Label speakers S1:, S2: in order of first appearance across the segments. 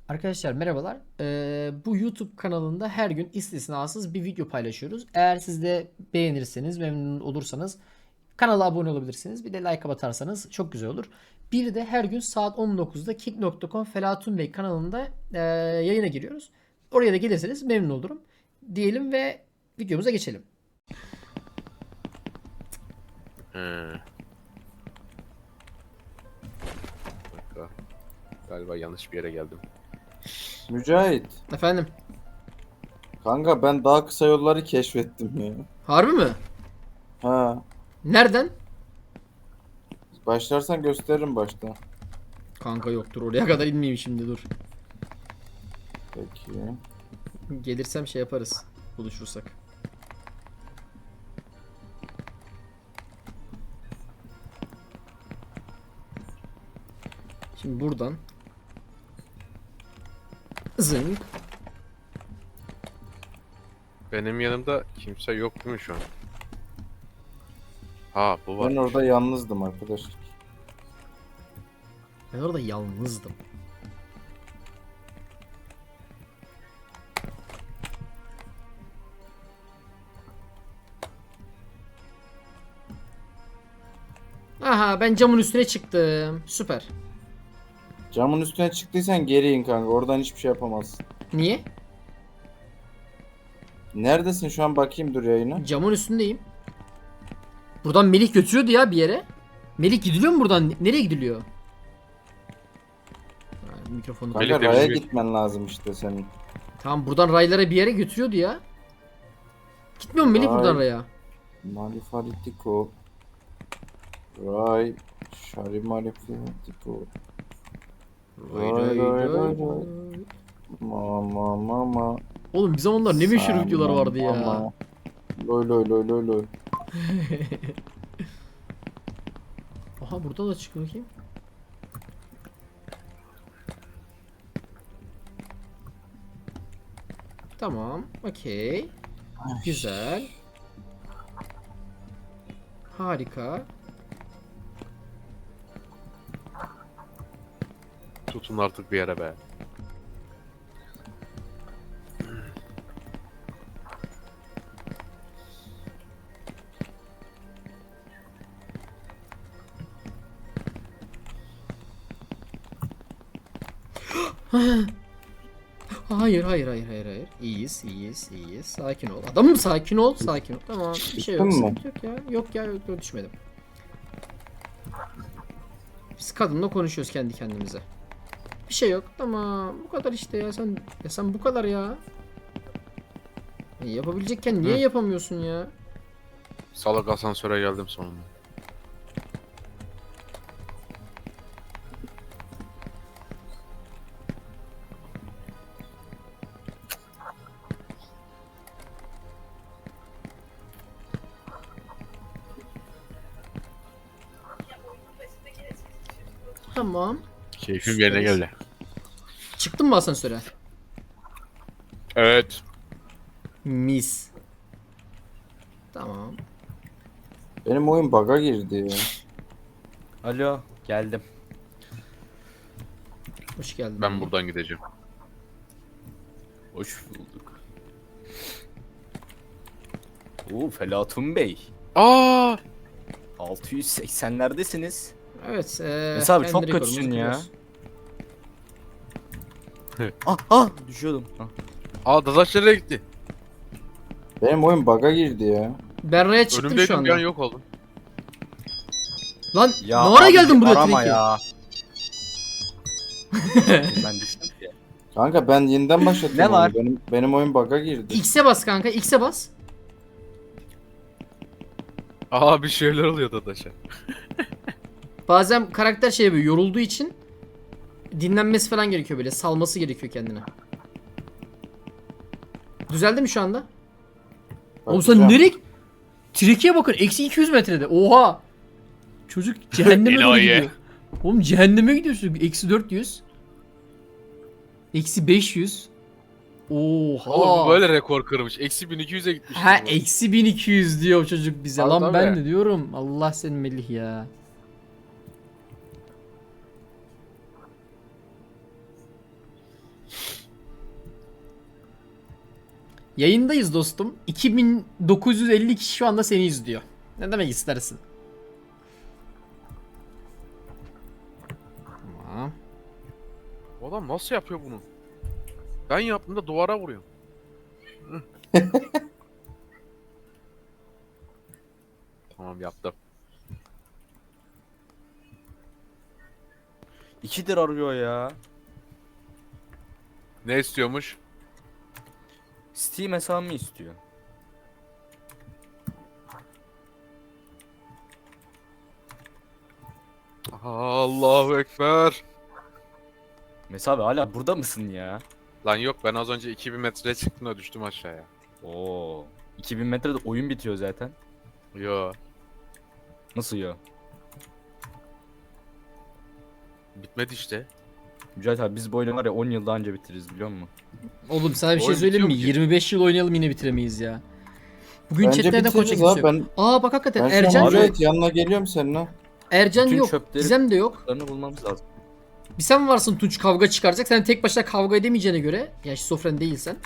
S1: Arkadaşlar merhabalar. Bu YouTube kanalında her gün istisnasız bir video paylaşıyoruz. Eğer siz de beğenirseniz, memnun olursanız kanala abone olabilirsiniz. Bir de like atarsanız çok güzel olur. Bir de her gün saat 19'da kick.com Felatun Bey kanalında yayına giriyoruz. Oraya da gelirseniz memnun olurum. Diyelim ve videomuza geçelim.
S2: He. Dakika. Galiba yanlış bir yere geldim.
S3: Mücahit.
S1: Efendim?
S3: Kanka ben daha kısa yolları keşfettim ya.
S1: Harbi mi?
S3: Ha.
S1: Nereden?
S3: Başlarsan gösteririm başta.
S1: Kanka yoktur, oraya kadar inmeyeyim şimdi, dur.
S3: Peki.
S1: Gelirsem şey yaparız. Buluşursak. Şimdi buradan zınk.
S2: Benim yanımda kimse yok değil mi şu an? Ha bu var.
S3: Ben orada yalnızdım arkadaşlar.
S1: Ben orada yalnızdım. Aha, ben camın üstüne çıktım. Süper.
S3: Camın üstüne çıktıysan geri in kanka. Oradan hiçbir şey yapamazsın.
S1: Niye?
S3: Neredesin şu an, bakayım dur yayına.
S1: Camın üstündeyim. Buradan Melih götürüyordu ya bir yere. Melih gidiliyor mu buradan? Nereye gidiliyor? Ha, mikrofonu.
S3: Kanka
S2: Melih de
S3: raya
S2: bizim-
S3: gitmen lazım işte senin.
S1: Tamam, buradan raylara bir yere götürüyordu ya. Gitmiyor mu Melih
S3: Ray.
S1: buradan raya?
S3: Malifalitiko. Ray. Şari malifalitiko.
S1: Ray ray ray ray.
S3: Mama mama.
S1: Oğlum bir zamanlar ne meşhur videolar vardı ya.
S3: Mama. Loy loy loy loy loy.
S1: Aha, burada da çık bakayım. Tamam, okey. Güzel. Harika.
S2: Tutun artık bir yere be.
S1: Hayır, hayır, hayır, hayır, hayır. İyiyiz, iyiyiz, iyiyiz. Sakin ol. Adamım, sakin ol, sakin ol. Tamam, bir şey yok,
S3: Düştün mü?
S1: sıkıntı yok ya. Yok ya, yok, düşmedim. Biz kadınla konuşuyoruz kendi kendimize. Bir şey yok. Tamam, bu kadar işte ya. Sen bu kadar ya. Yapabilecekken niye
S2: Hı.
S1: yapamıyorsun ya?
S2: Salak asansöre geldim sonunda.
S1: Tamam.
S2: Keyfim yerine
S1: Süperiz.
S2: geldi.
S1: Çıktın mı asansöre?
S2: Evet.
S1: Mis. Tamam.
S3: Benim oyun bug'a girdi ya.
S4: Alo, geldim.
S1: Hoş geldin.
S2: Ben buradan gideceğim.
S4: Hoş bulduk. Felatun Bey.
S2: Aa!
S4: 680'lerdesiniz.
S1: Evet.
S4: Mesela abi
S1: kendi
S4: çok
S1: rekorumuzu
S4: kötüsün ya.
S1: kırıyoruz.
S4: Düşüyordum.
S2: Aa Dadaş nereye gitti?
S3: Benim oyun bug'a girdi ya.
S1: Ben raya çıktım şu
S2: Önümdeydim bir an
S1: anda.
S2: yok oldum.
S1: Lan
S4: Ya
S1: ne ara
S4: abi,
S1: geldin buraya
S4: arama
S1: Treki?
S4: ya. Ben düştüm ki.
S3: Kanka ben yeniden başlattım.
S4: Ne
S3: oyunu.
S4: var?
S3: Benim oyun bug'a girdi.
S1: X'e bas kanka, X'e bas.
S2: Aa bir şeyler oluyor Dadaş'a.
S1: Bazen karakter şey yapıyor, yorulduğu için dinlenmesi falan gerekiyor, böyle salması gerekiyor kendine. Düzeldi mi şu anda? Oğlum sen
S3: Bakacağım.
S1: nereye? Treki'ye bakın, eksi 200 metrede. Oha! Çocuk cehenneme doğru
S2: Enayi.
S1: gidiyor. Oğlum cehenneme gidiyorsun. Eksi 400. Eksi 500. Oha!
S2: Oğlum bu böyle rekor kırmış. Eksi 1200'e gitmiş.
S1: Ha, eksi 1200 diyor çocuk bize.
S2: Tabii,
S1: Lan
S2: tabii.
S1: ben de diyorum. Allah senin Melih ya. Yayındayız dostum. 2950 kişi şu anda seni izliyor. Ne demek istersin? Tamam.
S2: O adam nasıl yapıyor bunu? Ben yaptığımda duvara vuruyorum. Tamam yaptım.
S4: 2'dir arıyor ya.
S2: Ne istiyormuş?
S4: Steam hesabımı istiyor.
S2: Allahu Ekber.
S4: Mesela abi hala burada mısın ya?
S2: Lan yok, ben az önce 2000 metreye çıktım da düştüm aşağıya.
S4: Oo. 2000 metrede oyun bitiyor zaten.
S2: Yo,
S4: Nasıl ya?
S2: bitmedi işte.
S4: Mücahit abi biz bu oyunu var ya 10 yılda anca bitiririz biliyor musun?
S1: Oğlum sana bir şey
S2: Oyun
S1: söyleyeyim mi?
S2: bitiyor ki.
S1: 25 yıl oynayalım yine bitiremeyiz ya. Bugün
S3: Bence
S1: chatlerde koça
S3: bitiririz
S1: kimse
S3: abi.
S1: yok. Aa bak hakikaten
S3: Ben şu
S1: Ercan
S3: an
S1: yok.
S3: Mücahit yanına geliyorum seninle.
S1: Ercan
S4: Bütün
S1: yok.
S4: çöpleri-
S1: Gizem de yok.
S4: Larını bulmamız lazım.
S1: Bir sen varsın Tunç kavga çıkaracak. Sen tek başına kavga edemeyeceğine göre. Ya şizofren değilsen.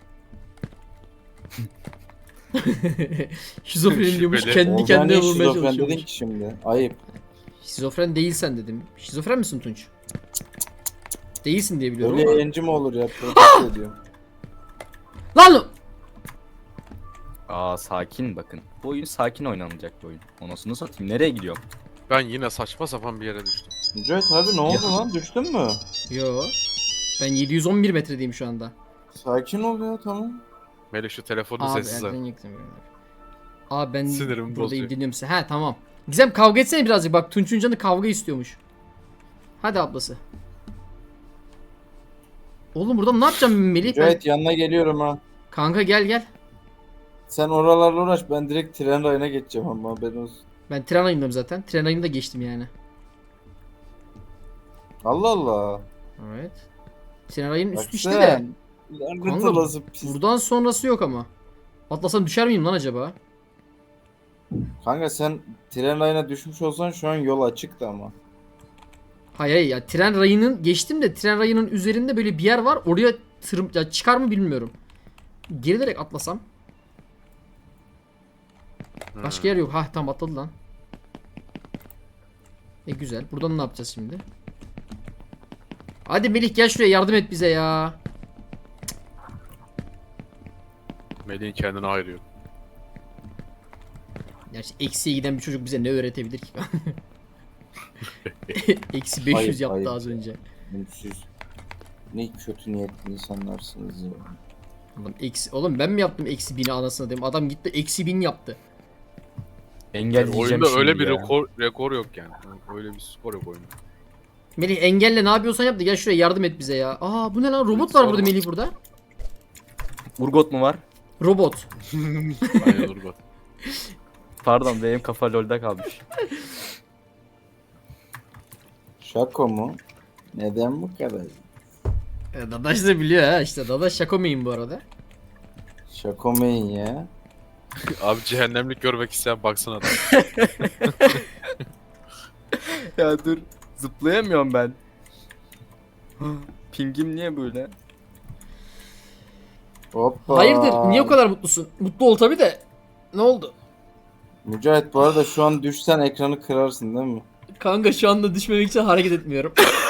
S1: Şizofren diyormuş
S2: Şüpheli.
S1: kendi
S3: Oradan
S1: kendine
S3: niye
S1: vurmaya
S3: şizofren dedin
S1: çalışıyormuş.
S3: ki şimdi? Ayıp.
S1: Şizofren değilsen dedim. Şizofren misin Tunç? Değilsin diye biliyorum
S3: Öyle
S1: ama.
S3: yayıncı mı olur ya? Protesto ediyorum.
S1: Lan!
S4: Aa sakin bakın. Bu oyun sakin oynanacak bir oyun. Onasını satayım. Nereye gidiyorum?
S2: Ben yine saçma sapan bir yere düştüm.
S3: Mücahit abi ne oldu lan? Düştün mü?
S1: Yo. Ben 711 metredeyim şu anda.
S3: Sakin ol ya tamam.
S2: Melih şu telefonu
S1: Abi
S2: sessiz al.
S1: Ercan yıktım. Abi ben
S2: Sinirimi
S1: buradayım
S2: bozuyor.
S1: dinliyorum size. He tamam. Gizem kavga etsene birazcık. Bak Tunç'un canı kavga istiyormuş. Hadi ablası. Oğlum burada ne yapacağım Melih? Ben...
S3: Mücahit yanına geliyorum ha.
S1: Kanka gel gel.
S3: Sen oralarla uğraş, ben direkt tren rayına geçeceğim ama haberin olsun.
S1: Ben tren ayındayım zaten. Tren ayını da geçtim yani.
S3: Allah Allah.
S1: Evet. Tren ayının
S3: Bak
S1: üstü işte de.
S3: sen. Lanet
S1: Kanka,
S3: olası pis.
S1: Buradan sonrası yok ama. Atlasam düşer miyim lan acaba?
S3: Kanka sen tren rayına düşmüş olsan şu an yol açıktı ama.
S1: Hayır hayır ya tren rayının geçtim de tren rayının üzerinde böyle bir yer var. Oraya ya çıkar mı bilmiyorum. Gerilerek atlasam. Başka yer yok. Ha tamam atladı lan. Güzel. Buradan ne yapacağız şimdi? Hadi Melih gel şuraya yardım et bize ya.
S2: Melih'in kendine ayırıyor.
S1: Gerçi eksiye giden bir çocuk bize ne öğretebilir ki? Eksi 500
S3: Ayıp,
S1: yaptı
S3: ayıp.
S1: az önce.
S3: Siz ne kötü niyetli insanlarsınız ya.
S1: Oğlum ben mi yaptım eksi 1000'i anasını dedim. Adam gitti eksi 1000 yaptı.
S4: Engelleyeceğim
S2: Oyunda
S4: şimdi
S2: öyle bir
S4: ya.
S2: rekor yok yani. Öyle bir skor yok oyunda.
S1: Melih engelle ne yapıyorsan yap da gel şuraya yardım et bize ya. Aa bu ne lan robot var
S2: Sorma.
S1: burada Melih burada.
S4: Urgot mu var?
S1: Robot.
S2: Aynen Urgot.
S4: Pardon benim kafa lol'da kalmış.
S3: Şako mu? Neden bu kadar?
S1: Dadaş da biliyor ha işte Dadaş şakomeyin bu arada.
S3: Şako main ya.
S2: Abi cehennemlik görmek isteyen baksana adam.
S4: Ya dur. Zıplayamıyorum ben. Pingim niye böyle?
S3: Hoppa.
S1: Hayırdır niye o kadar mutlusun? Mutlu ol tabi de. Ne oldu?
S3: Mücahit bu arada şu an düşsen ekranı kırarsın değil mi?
S1: Kanka şu anda düşmemek için hareket etmiyorum.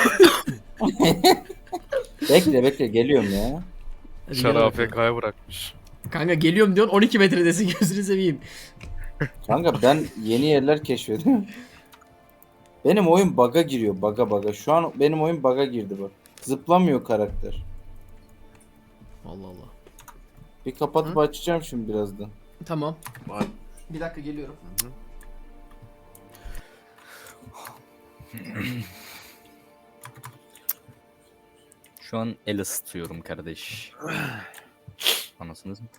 S3: Bekle bekle geliyorum ya.
S1: Hadi
S2: Şarı
S1: gel bakalım.
S2: AFK'ya bırakmış.
S1: Kanka geliyorum diyorsun 12 metredesin gözünü seveyim.
S3: Kanka ben yeni yerler keşfediyorum. Benim oyun bug'a giriyor. Bug'a. Şu an benim oyun bug'a girdi bak. Zıplamıyor karakter.
S1: Allah Allah.
S3: Bir kapatıp açacağım şimdi birazdan.
S1: Tamam.
S2: Vay.
S1: Bir dakika geliyorum.
S4: Şu an el ısıtıyorum kardeş. Anasınız mı?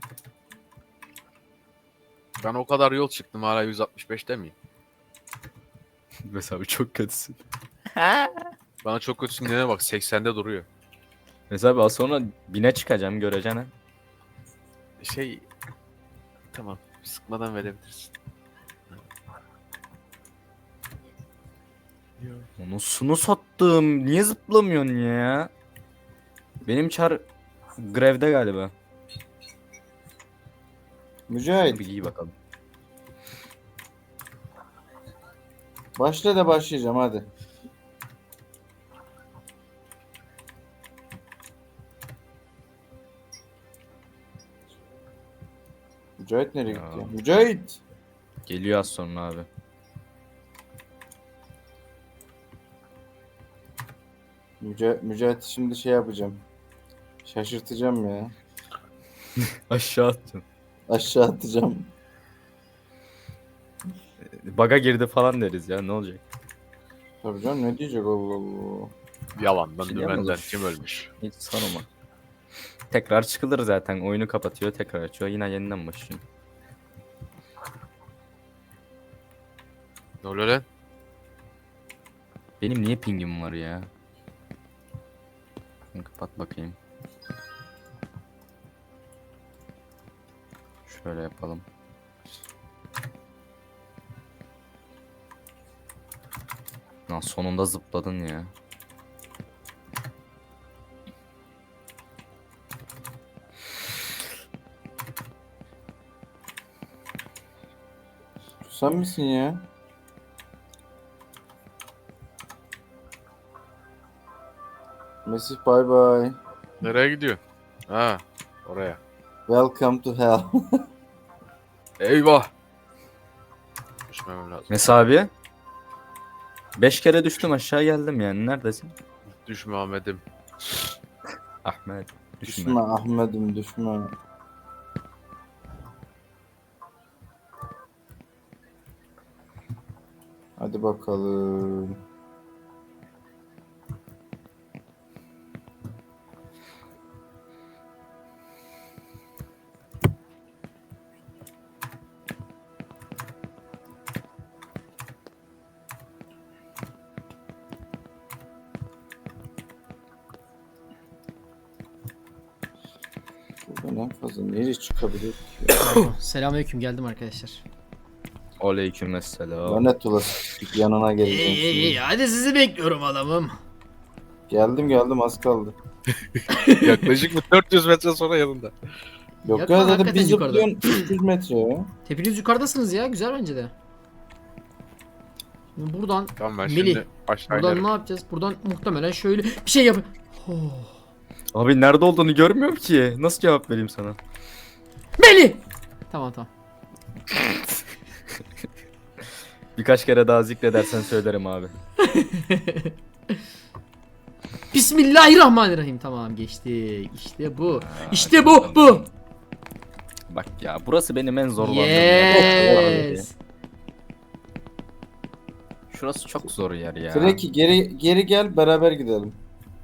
S2: Ben o kadar yol çıktım, hala 165'te miyim?
S4: Mesela çok kötüsün.
S2: Bana çok kötüsün dene bak, 80'de duruyor.
S4: Mesela az sonra 1000'e çıkacağım göreceksin ha.
S2: Tamam, sıkmadan verebilirsin.
S4: Onusunu sattım. Niye zıplamıyorsun ya? Benim çar grevde galiba.
S3: Mücahit.
S4: Bir giy bakalım.
S3: Başla da başlayacağım hadi. Mücahit nereye
S4: Ya.
S3: gitti ya? Mücahit!
S4: Geliyor az sonra abi.
S3: Mücahit şimdi şey yapacağım. Şaşırtacağım ya.
S4: Aşağı attın.
S3: Aşağı atacağım.
S4: Baga girdi falan deriz ya, ne olacak?
S3: Tabii canım ne diyecek Allah Allah.
S2: Yalandan
S4: Şey
S2: dümenden
S4: yapmadım.
S2: kim ölmüş?
S4: Hiç sorma. Tekrar çıkılır zaten. Oyunu kapatıyor, tekrar açıyor. Yine yeniden başlıyor.
S2: Ne oluyor lan?
S4: Benim niye pingim var ya? Kapat bakayım. Şöyle yapalım. Lan sonunda zıpladın ya.
S3: Sen misin ya? Mesih bye bye.
S2: Nereye gidiyor? Ha, oraya.
S3: Welcome to hell.
S2: Eyvah! Düşmemem lazım.
S4: Mesut abi. 5 kere düştüm aşağı geldim yani. Neredesin?
S2: Düşme Ahmet'im.
S4: Ahmet.
S3: Düşme
S4: Düşme.
S3: Ahmet'im düşme. Hadi bakalım. Buradan en fazla nereye çıkabilir ki?
S1: Selamünaleyküm, geldim arkadaşlar.
S4: Aleykümselam.
S3: Lanet olası yanına geleceğim şimdi.
S1: hadi sizi bekliyorum adamım.
S3: Geldim az kaldı.
S2: Yaklaşık bir 400 metre sonra yanında.
S3: Yok
S1: Yok
S3: ya
S1: lan,
S3: zaten
S1: hakikaten
S3: bir
S1: yukarıda.
S3: zıplıyorsun 300 metre ya.
S1: Hepiniz yukarıdasınız ya, güzel bence de. Şimdi buradan
S2: Tamam ben
S1: Melih,
S2: şimdi aşağı
S1: buradan
S2: inerim.
S1: ne yapacağız? Buradan muhtemelen şöyle bir şey yap. Oh.
S4: Abi nerede olduğunu görmüyorum ki. Nasıl cevap vereyim sana?
S1: Melih! Tamam.
S4: Birkaç kere daha zikredersen söylerim abi.
S1: Bismillahirrahmanirrahim. Tamam, geçtik. İşte bu. İşte bu.
S4: Bak ya, burası benim en zorlandığım yer.
S1: Yes.
S4: Şurası çok zor yer ya.
S3: Freki geri gel beraber gidelim.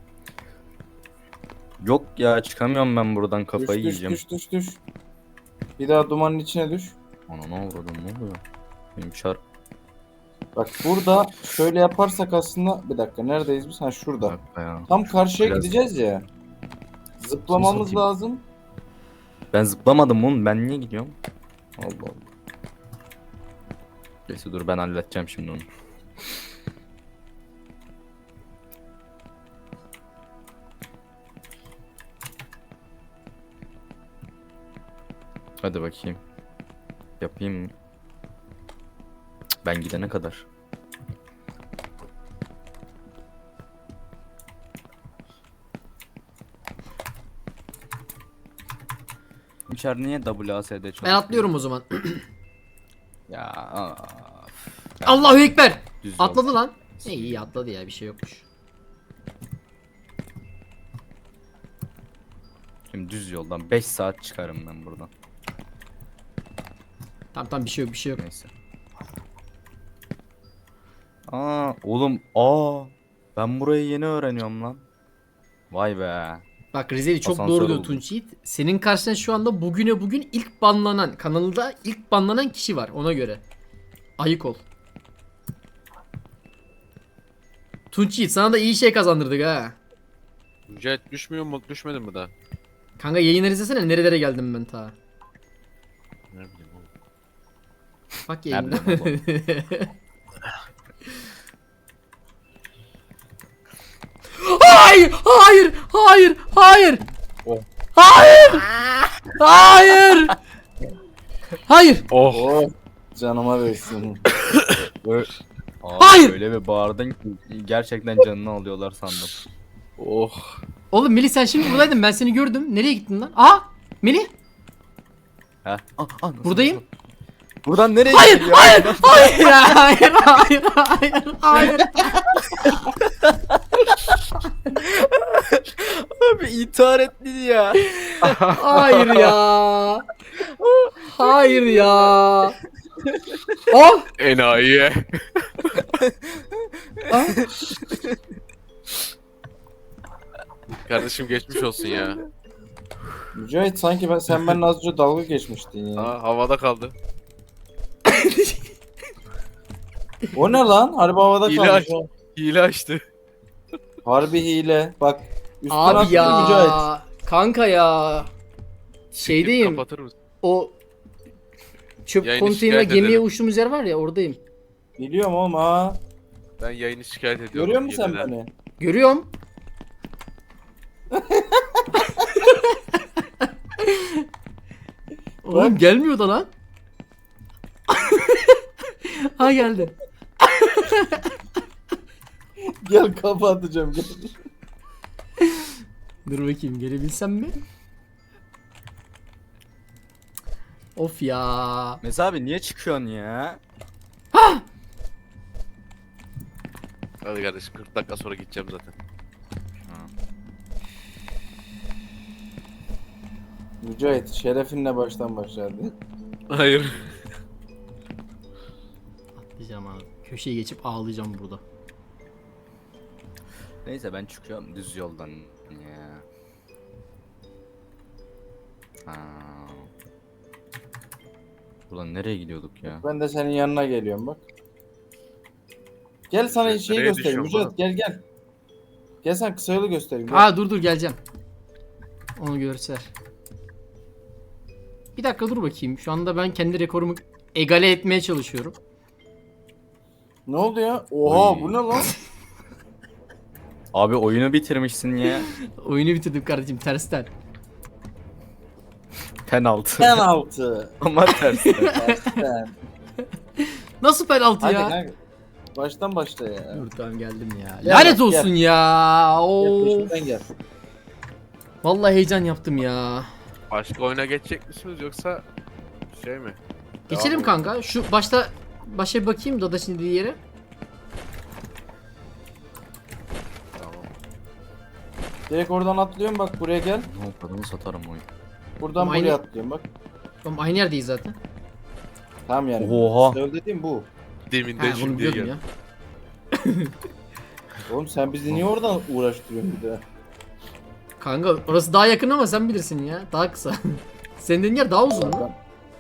S4: Yok ya, çıkamıyorum ben buradan, kafayı
S3: Düş
S4: yiyeceğim.
S3: düş. Bir daha dumanın içine düş.
S4: Ana ne vurdum, ne oluyor? Benim çarp.
S3: Bak burada şöyle yaparsak aslında bir dakika neredeyiz biz? Ha şurada.
S4: Bak ya.
S3: Tam karşıya
S4: Biraz-
S3: gideceğiz ya. Zıplamamız
S4: satayım.
S3: lazım.
S4: Ben zıplamadım oğlum, ben niye gidiyorum? Allah Allah. Neyse dur, ben halledeceğim şimdi onu. Hadi bakayım. Yapayım mı? Cık, ben gidene kadar. Uçar niye WASD çalışıyor?
S1: Ben atlıyorum o zaman.
S4: Ya.
S1: Allahu Ekber.
S4: Düz yol.
S1: Atladı lan. İyi atladı ya, bir şey yokmuş.
S4: Şimdi düz yoldan 5 saat çıkarım ben buradan.
S1: Tamam, bir şey yok.
S4: Neyse. Oğlum ben burayı yeni öğreniyorum lan. Vay be.
S1: Bak Rizeli çok
S4: Asansör
S1: doğru diyor
S4: oldu.
S1: Tunç Yiğit. Senin karşına şu anda bugüne bugün ilk banlanan, kanalda ilk banlanan kişi var, ona göre. Ayık ol. Tunç Yiğit, sana da iyi şey kazandırdık ha.
S2: Mücahit düşmüyor mu? Düşmedin mi daha?
S1: Kanka yayınları izlesene, nerelere geldim ben ta.
S2: Ne bileyim oğlum.
S1: Bak
S4: Ne
S1: yayında.
S4: bileyim
S1: Hayır!
S2: Oh.
S1: Hayır! Hayır! Hayır.
S2: Oh.
S3: Oh canıma değsin.
S4: Abi
S1: Hayır!
S4: öyle bir bağırdın ki gerçekten canını alıyorlar sandım.
S2: Oh.
S1: Oğlum Melih sen şimdi buradaydın. Ben seni gördüm. Nereye gittin lan? Aha! Melih!
S4: Ha? Nasıl,
S1: Buradayım.
S4: nasıl? Buradan nereye
S1: Hayır,
S4: gidiyor?
S1: hayır, hayır, hayır, hayır, hayır.
S4: Abi intihar etti ya.
S1: Hayır ya. Hayır ya. Oh!
S2: Enayi.
S1: Ah!
S2: Kardeşim geçmiş olsun ya.
S3: Mücahit sanki sen benimle az önce dalga geçmiştin ya.
S2: Ha, havada kaldı.
S3: O ne lan? Harbi havada
S2: Hile
S3: kalmış.
S2: aç.
S3: ha.
S2: Hile açtı.
S3: Harbi hile. Bak. Üstüne
S1: Abi
S3: attı
S1: ya.
S3: Mücahit.
S1: Kanka ya. Şeydeyim.
S2: Kapatır mısın?
S1: O çöp
S2: Yayını
S1: konteynerine
S2: şikayet
S1: gemiye
S2: ederim.
S1: uçtuğumuz yer var ya oradayım.
S3: Biliyorum oğlum ha.
S2: Ben yayını şikayet ediyorum.
S3: Görüyor musun sen
S2: hileden.
S3: beni?
S1: Görüyorum. Oğlum gelmiyor da lan. Ha geldi.
S3: Gel kafa atacağım gel.
S1: Dur bakayım gelebilsem mi? Of ya.
S4: Mesela abi niye çıkıyorsun ya?
S2: Hadi kardeşim 40 dakika sonra gideceğim zaten.
S3: Mücahit şerefinle baştan başladı.
S2: Hayır.
S1: Atlayacağım abi. Köşeye geçip ağlayacağım burada.
S4: Neyse ben çıkıyorum düz yoldan ya. Ha. Buradan nereye gidiyorduk ya?
S3: Ben de senin yanına geliyorum bak. Gel sana
S2: Nereye
S3: şeyi göstereyim
S2: düşüyorum
S3: Mücahit
S2: oğlum?
S3: gel gel. Gel sen kısa yolu göstereyim. Gel.
S1: Aa dur geleceğim. Onu göster. Bir dakika dur bakayım. Şu anda ben kendi rekorumu egale etmeye çalışıyorum.
S3: Ne oldu ya? Oha
S4: Oy.
S3: bu ne lan?
S4: Abi oyunu bitirmişsin ya.
S1: Oyunu bitirdim kardeşim tersten.
S4: Penaltı.
S3: Penaltı.
S4: Ama tersten.
S3: Tersten.
S1: Nasıl penaltı
S3: Hadi
S1: ya?
S3: kanka. Baştan başla ya.
S1: Dur tamam geldim ya.
S3: Gel
S1: Lanet
S3: bak,
S1: olsun
S3: gel.
S1: ya.
S3: Gel
S1: Oo.
S3: peşimden gel.
S1: Vallahi heyecan yaptım ya.
S2: Başka oyuna geçecek misiniz yoksa şey mi?
S1: Geçelim
S2: Devam
S1: kanka. Şu başa bir bakayım Dadaş'ın dediği yere.
S2: Tamam.
S3: Direkt oradan atlıyorum bak buraya gel.
S4: Ne kadını satarım oyun.
S3: Buradan
S1: Ama
S3: buraya
S1: aynı-
S3: atlıyorum bak.
S1: Oğlum aynı yerdeyiz zaten.
S3: Tamam yani.
S4: Oha.
S3: Söyle dediğim bu.
S2: Deminden
S1: Ha bunu
S2: şimdi
S1: biliyordum
S2: geldi.
S1: ya.
S3: Oğlum sen bizi niye oradan uğraştırıyorsun bir daha?
S1: Kanka orası daha yakın ama sen bilirsin ya. Daha kısa. Senin dediğin yer daha uzun mu?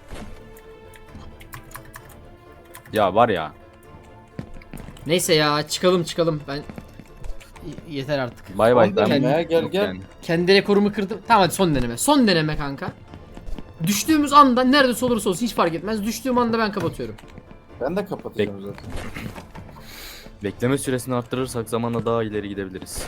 S4: Ya var ya.
S1: Neyse ya çıkalım. Ben yeter artık.
S4: Bay bay.
S3: Son deneme
S4: Ben-
S3: ya, gel,
S4: Yok
S3: gel.
S4: yani.
S1: Kendi rekorumu kırdım. Tamam hadi son deneme. Son deneme kanka. Düştüğümüz anda neredeyse olursa olsun hiç fark etmez. Düştüğüm anda ben kapatıyorum.
S3: Ben de kapatacağım zaten.
S4: Bekleme süresini arttırırsak zamanla daha ileri gidebiliriz.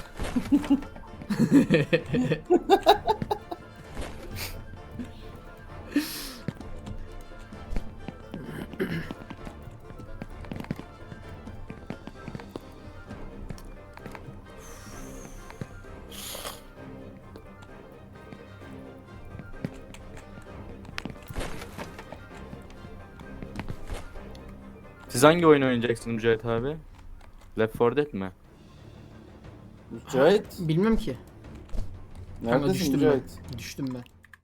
S4: Siz hangi oyun oynayacaksınız Mücahit abi? Left 4 Dead mi?
S3: Mücahit.
S1: Bilmem ki. Kanka
S3: Neredesin
S1: düştüm
S3: Mücahit?
S1: ben. Düştüm ben.